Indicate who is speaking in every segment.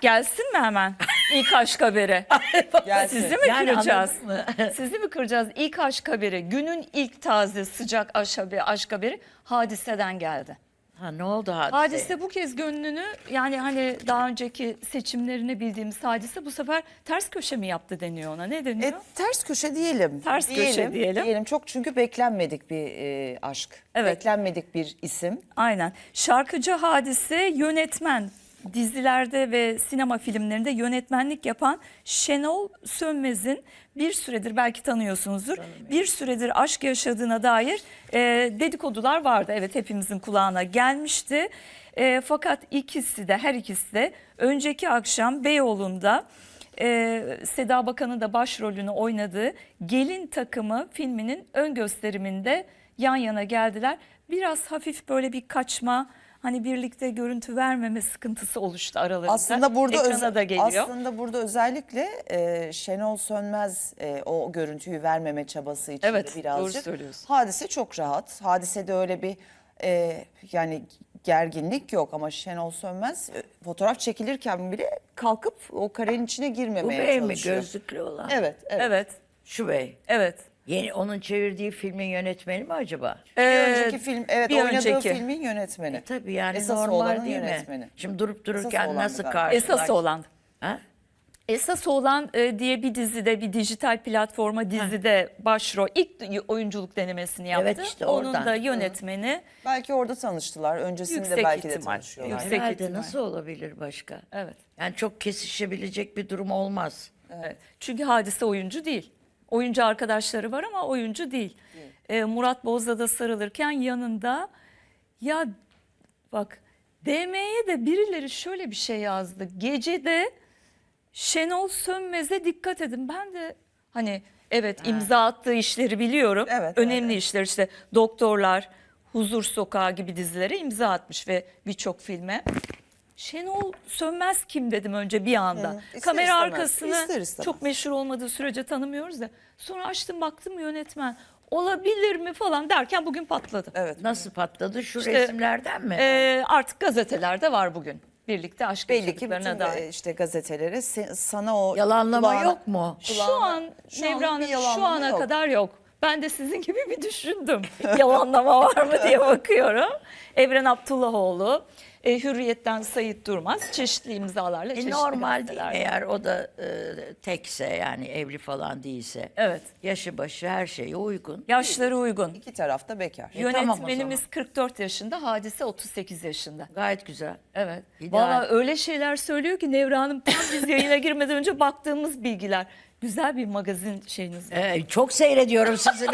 Speaker 1: Gelsin mi hemen ilk aşk haberi?
Speaker 2: Gelsin.
Speaker 1: Sizi mi
Speaker 3: Yani
Speaker 1: kıracağız?
Speaker 3: anladın mı?
Speaker 1: Sizi mi kıracağız? İlk aşk haberi, günün ilk taze sıcak aşk haberi Hadise'den geldi.
Speaker 3: Ha, ne oldu Hadise?
Speaker 1: Hadise bu kez gönlünü, yani hani daha önceki seçimlerini bildiğimiz Hadise bu sefer ters köşe mi yaptı deniyor ona? Ne deniyor?
Speaker 2: Ters köşe diyelim.
Speaker 1: Ters köşe diyelim.
Speaker 2: Çok çünkü beklenmedik bir aşk.
Speaker 1: Evet.
Speaker 2: Beklenmedik bir isim.
Speaker 1: Aynen. Şarkıcı Hadise, yönetmen, dizilerde ve sinema filmlerinde yönetmenlik yapan Şenol Sönmez'in bir süredir, belki tanıyorsunuzdur, bir süredir aşk yaşadığına dair dedikodular vardı. Evet, hepimizin kulağına gelmişti. Fakat her ikisi de önceki akşam Beyoğlu'nda Seda Bakan'ın da başrolünü oynadığı Gelin Takımı filminin ön gösteriminde yan yana geldiler. Biraz hafif böyle bir kaçma, hani birlikte görüntü vermeme sıkıntısı oluştu aralarında.
Speaker 2: Aslında burada özellikle Şenol Sönmez o görüntüyü vermeme çabası içinde
Speaker 1: Evet,
Speaker 2: birazcık.
Speaker 1: doğru söylüyorsun.
Speaker 2: Hadise çok rahat. Hadisede öyle bir yani gerginlik yok ama Şenol Sönmez fotoğraf çekilirken bile kalkıp o karenin içine
Speaker 3: Bu
Speaker 2: girmemeye
Speaker 3: bey mi,
Speaker 2: çalışıyor.
Speaker 3: gözlüklü olan?
Speaker 2: Evet.
Speaker 1: Evet,
Speaker 3: Şu bey.
Speaker 1: evet.
Speaker 3: Yeni onun çevirdiği filmin yönetmeni mi acaba?
Speaker 2: Bir önceki film, evet,
Speaker 1: bir
Speaker 2: oynadığı
Speaker 1: önceki.
Speaker 2: filmin yönetmeni.
Speaker 3: Tabii yani
Speaker 2: Esas
Speaker 3: normal
Speaker 2: olanın
Speaker 3: değil
Speaker 2: yönetmeni.
Speaker 3: mi? Şimdi durup
Speaker 2: Esas
Speaker 3: dururken
Speaker 2: olandı
Speaker 3: nasıl
Speaker 2: galiba.
Speaker 3: karşılaş?
Speaker 1: Esas olan.
Speaker 3: Ha?
Speaker 1: Esas olan diye bir dizide, bir dijital platforma dizide başrol ilk oyunculuk denemesini yaptı.
Speaker 3: Evet, işte
Speaker 1: Onun
Speaker 3: oradan.
Speaker 1: da yönetmeni.
Speaker 2: Belki orada tanıştılar. Öncesinde
Speaker 1: Yüksek
Speaker 2: belki de
Speaker 1: ihtimal.
Speaker 2: tanışıyorlar.
Speaker 1: Yüksek
Speaker 3: Herhalde
Speaker 1: ihtimal.
Speaker 3: nasıl olabilir başka?
Speaker 1: Evet.
Speaker 3: Yani çok kesişebilecek bir durum olmaz.
Speaker 1: Evet. Çünkü Hadise oyuncu değil. Oyuncu arkadaşları var ama oyuncu değil. Murat Bozdağ'da sarılırken yanında, ya bak, DM'ye de birileri şöyle bir şey yazdı. Gecede Şenol Sönmez'e dikkat edin. Ben de hani evet, imza attığı işleri biliyorum.
Speaker 2: Evet,
Speaker 1: Önemli
Speaker 2: evet.
Speaker 1: işler, işte Doktorlar, Huzur Sokağı gibi dizilere imza atmış ve birçok filme. Şenol Sönmez kim dedim önce bir anda.
Speaker 2: İster
Speaker 1: Kamera
Speaker 2: istemez,
Speaker 1: arkasını
Speaker 2: ister istemez.
Speaker 1: çok meşhur olmadığı sürece tanımıyoruz da. Sonra açtım baktım yönetmen. Olabilir mi falan derken bugün patladı.
Speaker 2: Evet.
Speaker 3: Nasıl patladı? Şu
Speaker 1: İşte,
Speaker 3: resimlerden mi?
Speaker 1: Artık gazelerde var bugün. Birlikte aşk
Speaker 2: Belli ki
Speaker 1: yaşadıklarına
Speaker 2: bütün
Speaker 1: dair.
Speaker 2: işte gazetelere sana o
Speaker 3: Yalanlama
Speaker 2: kulağına-
Speaker 3: yok mu?
Speaker 1: Şu an Nevra Hanım,
Speaker 2: bir
Speaker 1: şu
Speaker 2: yalanlama
Speaker 1: ana
Speaker 2: yok.
Speaker 1: kadar yok. Ben de sizin gibi bir düşündüm. Yalanlama var mı diye bakıyorum. Evren Abdullahoğlu, Hürriyet'ten Sayit Durmaz çeşitli imzalarla, çeşitli
Speaker 3: Normal değil
Speaker 1: gazetelerde.
Speaker 3: eğer o da tekse, yani evli falan değilse.
Speaker 1: Evet.
Speaker 3: Yaşı başı her şeye uygun.
Speaker 1: Yaşları uygun.
Speaker 2: İki tarafta bekar.
Speaker 3: tamam o
Speaker 1: Yönetmenimiz
Speaker 3: zaman.
Speaker 1: 44 yaşında, Hadise 38 yaşında.
Speaker 3: Gayet güzel.
Speaker 1: Evet.
Speaker 3: İdeal.
Speaker 1: Valla öyle şeyler söylüyor ki Nevra Hanım, tam biz yayına girmeden önce baktığımız bilgiler. Güzel bir magazin şeyiniz var.
Speaker 3: Çok seyrediyorum sizin.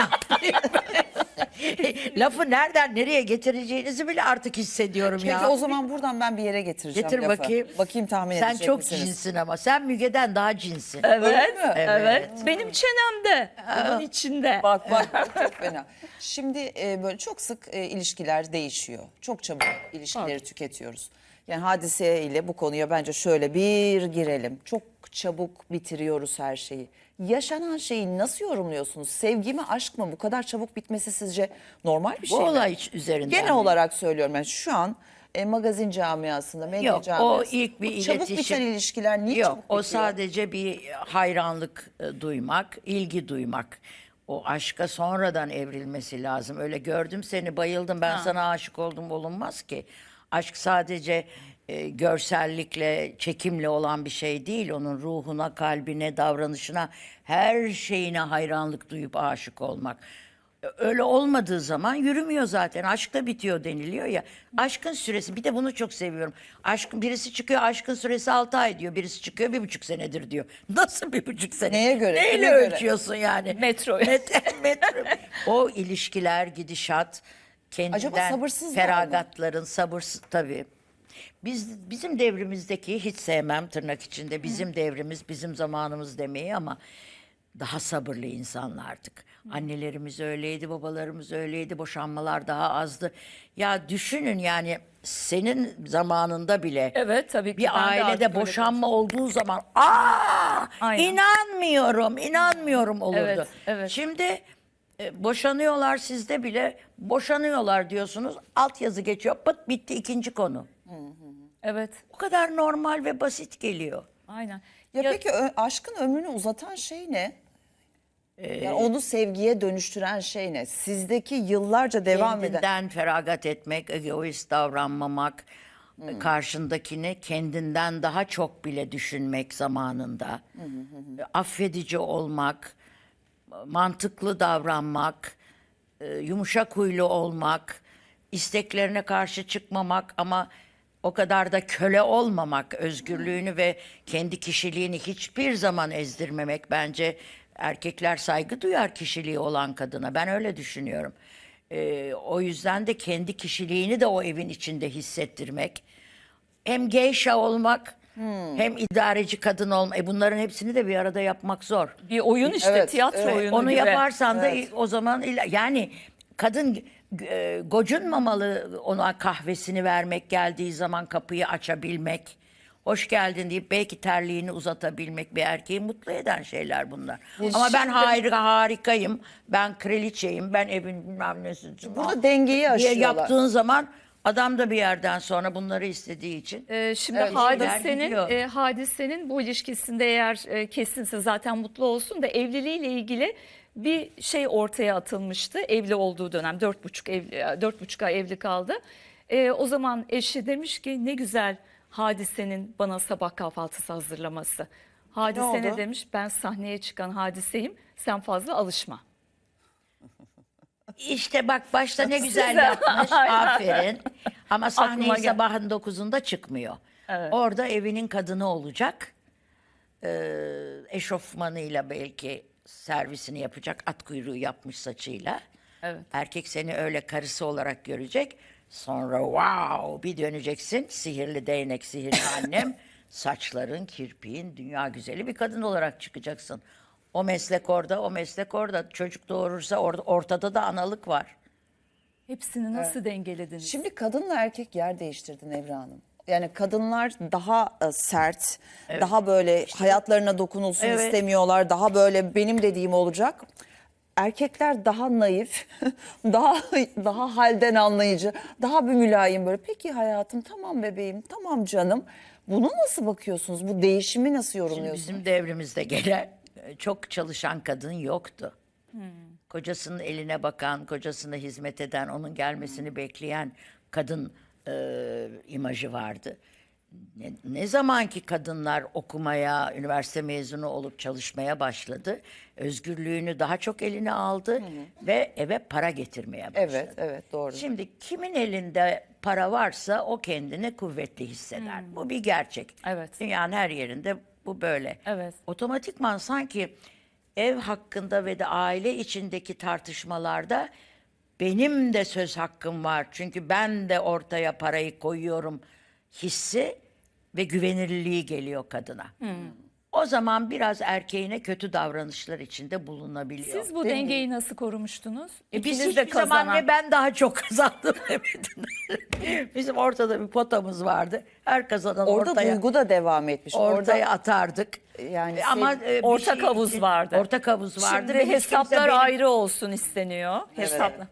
Speaker 3: Lafı nereden nereye getireceğinizi bile artık hissediyorum
Speaker 2: Peki
Speaker 3: ya.
Speaker 2: o zaman buradan ben bir yere getireceğim
Speaker 3: Getir
Speaker 2: lafı.
Speaker 3: bakayım.
Speaker 2: Bakayım tahmin
Speaker 3: Sen
Speaker 2: edecek
Speaker 3: çok
Speaker 2: misiniz?
Speaker 3: cinsin ama. Sen Müge'den daha cinsin.
Speaker 1: Evet,
Speaker 2: mi?
Speaker 1: evet. Benim çenemde, bunun içinde.
Speaker 2: Bak çok fena. Şimdi böyle çok sık ilişkiler değişiyor. Çok çabuk ilişkileri tüketiyoruz. Yani Hadise ile bu konuya bence şöyle bir girelim. Çok çabuk bitiriyoruz her şeyi. Yaşanan şeyi nasıl yorumluyorsunuz? Sevgi mi, aşk mı? Bu kadar çabuk bitmesi sizce normal bir
Speaker 3: Bu
Speaker 2: şey mi?
Speaker 3: olay üzerinden.
Speaker 2: Genel
Speaker 3: mi?
Speaker 2: olarak söylüyorum. Yani şu an magazin camiasında, medya
Speaker 3: Yok,
Speaker 2: camiasında.
Speaker 3: o ilk bir
Speaker 2: bu çabuk
Speaker 3: iletişim.
Speaker 2: biten ilişkiler niye
Speaker 3: Yok,
Speaker 2: çabuk
Speaker 3: o
Speaker 2: bitiyor?
Speaker 3: sadece bir hayranlık duymak, ilgi duymak. O aşka sonradan evrilmesi lazım. Öyle gördüm seni, bayıldım, ben sana aşık oldum olunmaz ki. Aşk sadece görsellikle, çekimle olan bir şey değil. Onun ruhuna, kalbine, davranışına, her şeyine hayranlık duyup aşık olmak. Öyle olmadığı zaman yürümüyor zaten. Aşk da bitiyor deniliyor ya. Aşkın süresi, bir de bunu çok seviyorum. Birisi çıkıyor, aşkın süresi 6 ay diyor. Birisi çıkıyor 1,5 senedir diyor. Nasıl 1,5 sene?
Speaker 2: Neye göre?
Speaker 3: Neyle
Speaker 2: Kime göre?
Speaker 3: ölçüyorsun yani?
Speaker 1: Metro.
Speaker 3: Metro. O ilişkiler, gidişat,
Speaker 2: Acaba
Speaker 3: kendinden
Speaker 2: sabırsızlar mı?
Speaker 3: feragatların, sabırsız tabii. Bizim devrimizdeki, hiç sevmem tırnak içinde, bizim devrimiz, bizim zamanımız demeyi, ama daha sabırlı insanlardık. Annelerimiz öyleydi, babalarımız öyleydi, boşanmalar daha azdı. Ya düşünün yani, senin zamanında bile
Speaker 1: Evet, tabii ki. Ben
Speaker 3: bir
Speaker 1: de artık
Speaker 3: ailede
Speaker 1: öyle
Speaker 3: boşanma olduğu zaman
Speaker 1: Aynen.
Speaker 3: inanmıyorum olurdu.
Speaker 1: Evet, evet.
Speaker 3: Şimdi boşanıyorlar, sizde bile boşanıyorlar diyorsunuz. Altyazı geçiyor, pıt bitti, ikinci konu.
Speaker 1: Evet.
Speaker 3: O kadar normal ve basit geliyor.
Speaker 1: Aynen.
Speaker 2: Ya peki aşkın ömrünü uzatan şey ne? Yani onu sevgiye dönüştüren şey ne? Sizdeki yıllarca devam eden...
Speaker 3: Kendinden feragat etmek, egoist davranmamak, karşındakini kendinden daha çok bile düşünmek zamanında, affedici olmak, mantıklı davranmak, yumuşak huylu olmak, isteklerine karşı çıkmamak ama o kadar da köle olmamak, özgürlüğünü ve kendi kişiliğini hiçbir zaman ezdirmemek bence. Erkekler saygı duyar kişiliği olan kadına. Ben öyle düşünüyorum. O yüzden de kendi kişiliğini de o evin içinde hissettirmek. Hem geyşa olmak, hem idareci kadın olmak. Bunların hepsini de bir arada yapmak zor.
Speaker 1: Bir oyun işte,
Speaker 2: Evet,
Speaker 1: tiyatro
Speaker 2: evet.
Speaker 1: oyunu
Speaker 3: Onu
Speaker 1: gibi.
Speaker 3: yaparsan da o zaman yani kadın gocunmamalı, ona kahvesini vermek, geldiği zaman kapıyı açabilmek, hoş geldin deyip belki terliğini uzatabilmek, bir erkeği mutlu eden şeyler bunlar. Ama ben harikayım, ben kraliçeyim, ben evin bilmem nesi.
Speaker 2: Burada dengeyi
Speaker 3: diye
Speaker 2: aşıyorlar.
Speaker 3: yaptığın zaman adam da bir yerden sonra bunları istediği için
Speaker 1: Şimdi
Speaker 2: Evet,
Speaker 3: gidiyor.
Speaker 1: hadisenin bu ilişkisinde eğer kesinse zaten mutlu olsun da evliliğiyle ilgili bir şey ortaya atılmıştı. Evli olduğu dönem 4,5 ay evli kaldı. O zaman eşi demiş ki ne güzel Hadise'nin bana sabah kahvaltısı hazırlaması. Hadise ne
Speaker 2: oldu?
Speaker 1: demiş? Ben sahneye çıkan Hadiseyim. Sen fazla alışma.
Speaker 3: İşte bak başta ne güzel yapmış, aferin. Ama sahneye
Speaker 1: Aklıma gel-
Speaker 3: sabahın 9'unda çıkmıyor. Orada evinin kadını olacak. Eşofmanıyla belki servisini yapacak, at kuyruğu yapmış saçıyla.
Speaker 1: Evet.
Speaker 3: Erkek seni öyle karısı olarak görecek. Sonra wow bir döneceksin, sihirli değnek, sihirli annem. Saçların, kirpiğin, dünya güzeli bir kadın olarak çıkacaksın. O meslek orada, o meslek orada. Çocuk doğurursa ortada da analık var.
Speaker 1: Hepsini nasıl dengelediniz?
Speaker 2: Şimdi kadınla erkek yer değiştirdi Nevra Hanım. Yani kadınlar daha sert, daha böyle hayatlarına dokunulsun
Speaker 3: Evet.
Speaker 2: istemiyorlar. Daha böyle benim dediğim olacak. Erkekler daha naif, daha halden anlayıcı, daha bir mülayim böyle. Peki hayatım, tamam bebeğim, tamam canım. Bunu nasıl bakıyorsunuz? Bu değişimi nasıl
Speaker 3: Şimdi
Speaker 2: yorumluyorsunuz?
Speaker 3: bizim devrimizde gelen çok çalışan kadın yoktu. Kocasının eline bakan, kocasına hizmet eden, onun gelmesini bekleyen kadın imajı vardı. Ne zamanki kadınlar okumaya, üniversite mezunu olup çalışmaya başladı, özgürlüğünü daha çok eline aldı ve eve para getirmeye başladı.
Speaker 2: Evet, evet, doğru.
Speaker 3: Şimdi kimin elinde para varsa o kendini kuvvetli hisseder. Bu bir gerçek.
Speaker 1: Evet.
Speaker 3: Dünyanın her yerinde bu böyle.
Speaker 1: Evet.
Speaker 3: Otomatikman sanki ev hakkında ve de aile içindeki tartışmalarda benim de söz hakkım var. Çünkü ben de ortaya parayı koyuyorum hissi ve güvenilirliği geliyor kadına. O zaman biraz erkeğine kötü davranışlar içinde bulunabiliyor.
Speaker 1: Siz bu dengeyi nasıl korumuştunuz?
Speaker 3: Biz
Speaker 1: İkiniz de
Speaker 3: hiçbir zaman
Speaker 1: kazanan.
Speaker 3: ne ben daha çok kazandım demedin. Bizim ortada bir potamız vardı. Her kazanan
Speaker 2: Orada
Speaker 3: ortaya,
Speaker 2: duygu da devam etmiş.
Speaker 3: ortaya atardık.
Speaker 2: Yani
Speaker 3: Ama bir
Speaker 1: Ortak
Speaker 3: şey
Speaker 1: havuz
Speaker 3: için-
Speaker 1: vardı.
Speaker 3: Ortak havuz vardı.
Speaker 1: Şimdi
Speaker 3: ve hiç kimse
Speaker 1: hesaplar
Speaker 3: benim-
Speaker 1: ayrı olsun isteniyor. Hesaplar.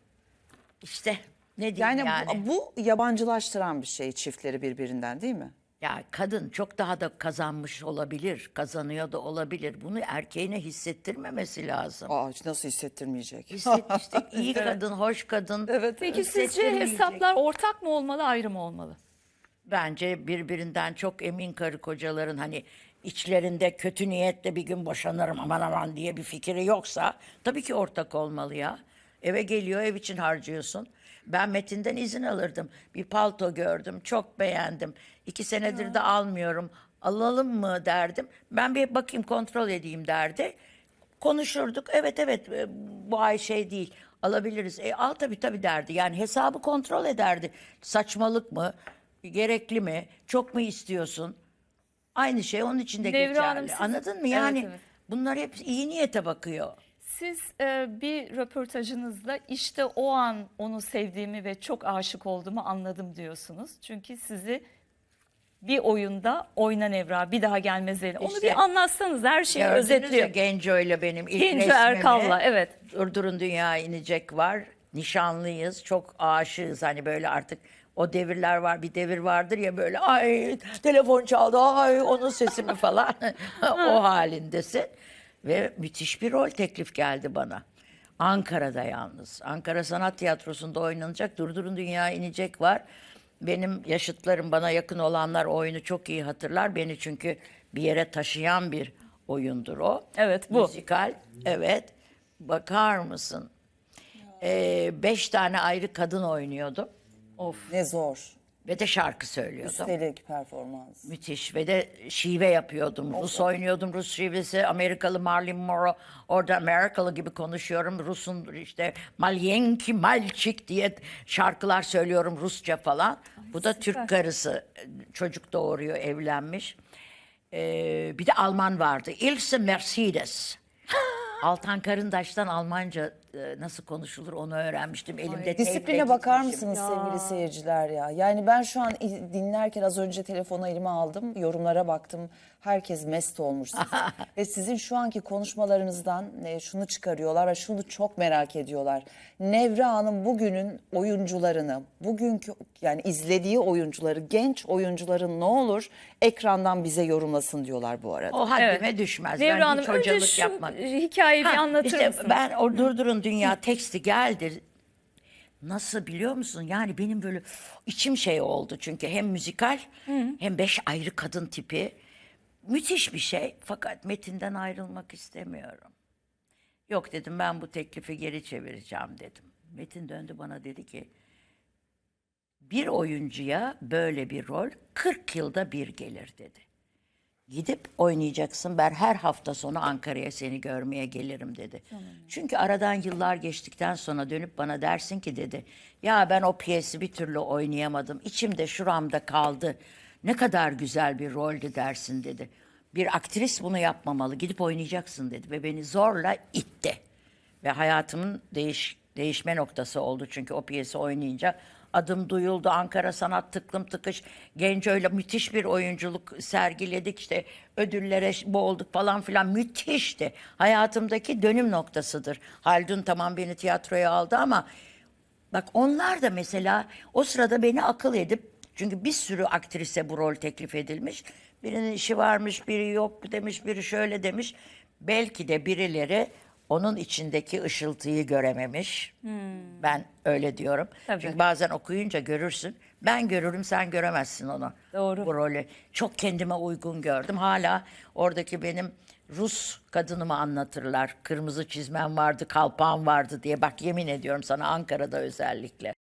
Speaker 3: İşte ne diyeyim
Speaker 2: Yani,
Speaker 3: yani.
Speaker 2: bu yabancılaştıran bir şey çiftleri birbirinden, değil mi?
Speaker 3: Ya kadın çok daha da kazanmış olabilir, kazanıyor da olabilir. Bunu erkeğine hissettirmemesi lazım.
Speaker 2: Aa, nasıl hissettirmeyecek?
Speaker 3: İşte iyi kadın, hoş kadın.
Speaker 1: Peki sizce
Speaker 3: hissettirmeyecek.
Speaker 1: hesaplar ortak mı olmalı, ayrı mı olmalı?
Speaker 3: Bence birbirinden çok emin karı kocaların hani içlerinde kötü niyetle bir gün boşanırım aman aman diye bir fikri yoksa tabii ki ortak olmalı ya. Eve geliyor, ev için harcıyorsun. Ben Metin'den izin alırdım. Bir palto gördüm, çok beğendim. 2 senedir de almıyorum. Alalım mı derdim. Ben bir bakayım, kontrol edeyim derdi. Konuşurduk. Evet bu ay şey değil. Alabiliriz. Al tabii derdi. Yani hesabı kontrol ederdi. Saçmalık mı? Gerekli mi? Çok mu istiyorsun? Aynı şey onun için de
Speaker 1: Nevra
Speaker 3: geçerli.
Speaker 1: Hanım, siz-
Speaker 3: Anladın mı? Yani
Speaker 1: Evet.
Speaker 3: bunlar hep iyi niyete bakıyor.
Speaker 1: Siz bir röportajınızda işte o an onu sevdiğimi ve çok aşık olduğumu anladım diyorsunuz. Çünkü sizi bir oyunda oyna Nevra bir daha gelmez ele. Onu
Speaker 3: İşte-
Speaker 1: bir anlatsanız, her şeyi
Speaker 3: Gördünüz ya
Speaker 1: özetliyor.
Speaker 3: Genco ile benim ilk
Speaker 1: Genco
Speaker 3: resmimi.
Speaker 1: Erkal'la, evet.
Speaker 3: Durdurun Dünya inecek var. Nişanlıyız. Çok aşığız. Hani böyle artık O devirler var, bir devir vardır ya böyle ay telefon çaldı, ay onun sesi mi falan o halindesin. Ve müthiş bir rol teklif geldi bana. Ankara'da yalnız. Ankara Sanat Tiyatrosu'nda oynanacak. Durdurun Dünya inecek var. Benim yaşıtlarım, bana yakın olanlar oyunu çok iyi hatırlar. Beni çünkü bir yere taşıyan bir oyundur o.
Speaker 1: Evet, bu.
Speaker 3: Müzikal, evet. Bakar mısın? 5 tane ayrı kadın oynuyordum.
Speaker 2: Ne zor.
Speaker 3: Ve de şarkı söylüyordum.
Speaker 2: Üstelik performans.
Speaker 3: Müthiş ve de şive yapıyordum. Rus oynuyordum, Rus şivesi, Amerikalı Marilyn Monroe. Orada Amerikalı gibi konuşuyorum. Rus'un işte Malyenki Malçik diye şarkılar söylüyorum Rusça falan. Bu da Türk karısı, çocuk doğuruyor, evlenmiş. Bir de Alman vardı. Ilse Mercedes. Altan Karındaş'tan Almanca nasıl konuşulur onu öğrenmiştim. Elimde
Speaker 2: Disipline
Speaker 3: teyple
Speaker 2: bakar
Speaker 3: gitmişim.
Speaker 2: mısınız sevgili seyirciler ya? Yani ben şu an dinlerken az önce telefonu elime aldım. Yorumlara baktım. Herkes mest olmuş sizin. Ve sizin şu anki konuşmalarınızdan şunu çıkarıyorlar ve şunu çok merak ediyorlar. Nevra Hanım bugünün oyuncularını, bugünkü yani izlediği oyuncuları, genç oyuncuların ne olur ekrandan bize yorumlasın diyorlar bu arada.
Speaker 3: O haddime düşmez.
Speaker 1: Nevra
Speaker 3: Ben
Speaker 1: Hanım
Speaker 3: hiç
Speaker 1: önce
Speaker 3: hocalık
Speaker 1: şu
Speaker 3: yapmak.
Speaker 1: hikayeyi bir
Speaker 3: Ha,
Speaker 1: anlatır
Speaker 3: işte
Speaker 1: mısınız?
Speaker 3: ben o Durdurun Dünya teksti geldi. Nasıl biliyor musun? Yani benim böyle içim şey oldu. Çünkü hem müzikal hem 5 ayrı kadın tipi. Müthiş bir şey. Fakat metinden ayrılmak istemiyorum. Yok dedim, ben bu teklifi geri çevireceğim dedim. Metin döndü bana, dedi ki bir oyuncuya böyle bir rol 40 yılda bir gelir dedi. Gidip oynayacaksın. Ben her hafta sonu Ankara'ya seni görmeye gelirim dedi. Çünkü aradan yıllar geçtikten sonra dönüp bana dersin ki dedi, ya ben o piyesi bir türlü oynayamadım. İçimde şuramda kaldı. Ne kadar güzel bir roldü dersin dedi. Bir aktris bunu yapmamalı. Gidip oynayacaksın dedi. Ve beni zorla itti. Ve hayatımın değişme noktası oldu. Çünkü o piyesi oynayınca adım duyuldu. Ankara Sanat tıklım tıkış. Genco'yla müthiş bir oyunculuk sergiledik. İşte ödüllere boğulduk falan filan. Müthişti. Hayatımdaki dönüm noktasıdır. Haldun tamam beni tiyatroya aldı ama bak onlar da mesela o sırada beni akıl edip, çünkü bir sürü aktrise bu rol teklif edilmiş. Birinin işi varmış, biri yok demiş, biri şöyle demiş. Belki de birileri onun içindeki ışıltıyı görememiş. Ben öyle diyorum.
Speaker 1: Tabii.
Speaker 3: Çünkü bazen okuyunca görürsün. Ben görürüm, sen göremezsin onu.
Speaker 1: Doğru.
Speaker 3: Bu rolü. Çok kendime uygun gördüm. Hala oradaki benim Rus kadınımı anlatırlar. Kırmızı çizmem vardı, kalpağım vardı diye. Bak yemin ediyorum sana, Ankara'da özellikle.